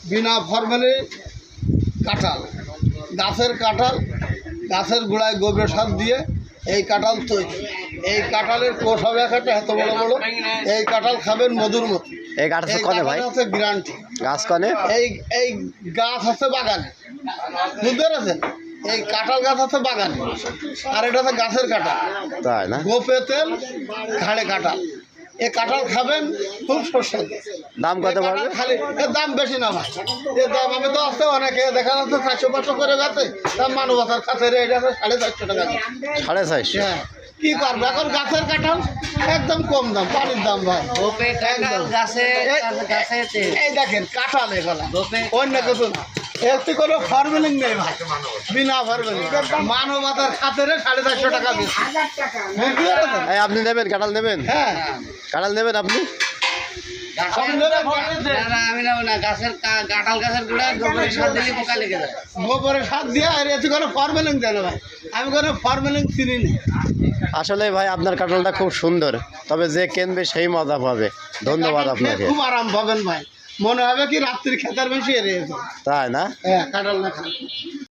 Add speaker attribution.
Speaker 1: বিনা ফরমালে কাঁঠাল, গাছের কাঁঠাল, গাছের গোড়ায় গোবর সার দিয়ে এই কাঁঠাল তৈরি। এই কাঁঠালের কোষ হবে একটা এত বড় বড়। এই কাঁঠাল খাবেন মধুর মতো।
Speaker 2: এই গাছ আছে কনে ভাই?
Speaker 1: আছে গ্যারান্টি।
Speaker 2: গাছ কনে?
Speaker 1: এই গাছ আছে বাগানে, বুঝতে পেরেছেন? এই কাঁঠাল গাছ আছে বাগানে, আর এটা হচ্ছে গাছের কাঁঠাল।
Speaker 2: তাই না?
Speaker 1: গোপে তেল, ঘাড়ে কাঁঠাল। এই কাঁঠাল খাবেন খুব সুস্বাদু।
Speaker 2: দাম কত পড়বে?
Speaker 1: খালি এর দাম বেশি না ভাই, এর দাম আমি তো আসতে অনেকে দেখা যাচ্ছে 400-500 করে বেচে, দাম মানবতার কাছে এটা 450 টাকা।
Speaker 2: 450?
Speaker 1: হ্যাঁ, কি করবো এখন, গাছের কাঁঠাল একদম কম দাম, পানির দাম ভাই। এই দেখেন কাঁঠাল, এগুলা অন্য কিছু না, এতে কোনো ফর্মেলিং নেই ভাই, বিনা ফর্মেলিং, মানবতার খাতেরে 450 টাকা বেশি।
Speaker 2: এই আপনি নেবেন কাঁঠাল নেবেন?
Speaker 1: হ্যাঁ,
Speaker 2: কাঁঠাল নেবেন আপনি? গোবরের সার দিয়ে, আর এতে কোনো ফর্মেলিং দেয় না ভাই, আমি কোনো ফর্মেলিং চিনি না। আসলে ভাই আপনার কাঁঠালটা খুব সুন্দর, তবে যে কিনবে সেই মজা পাবে। ধন্যবাদ আপনাকে।
Speaker 1: খুব আরাম পাবেন ভাই, মনে হবে কি রাত্রির খেতার বেশি এড়িয়েছে।
Speaker 2: তাই না?
Speaker 1: হ্যাঁ, কাঁঠাল না খান।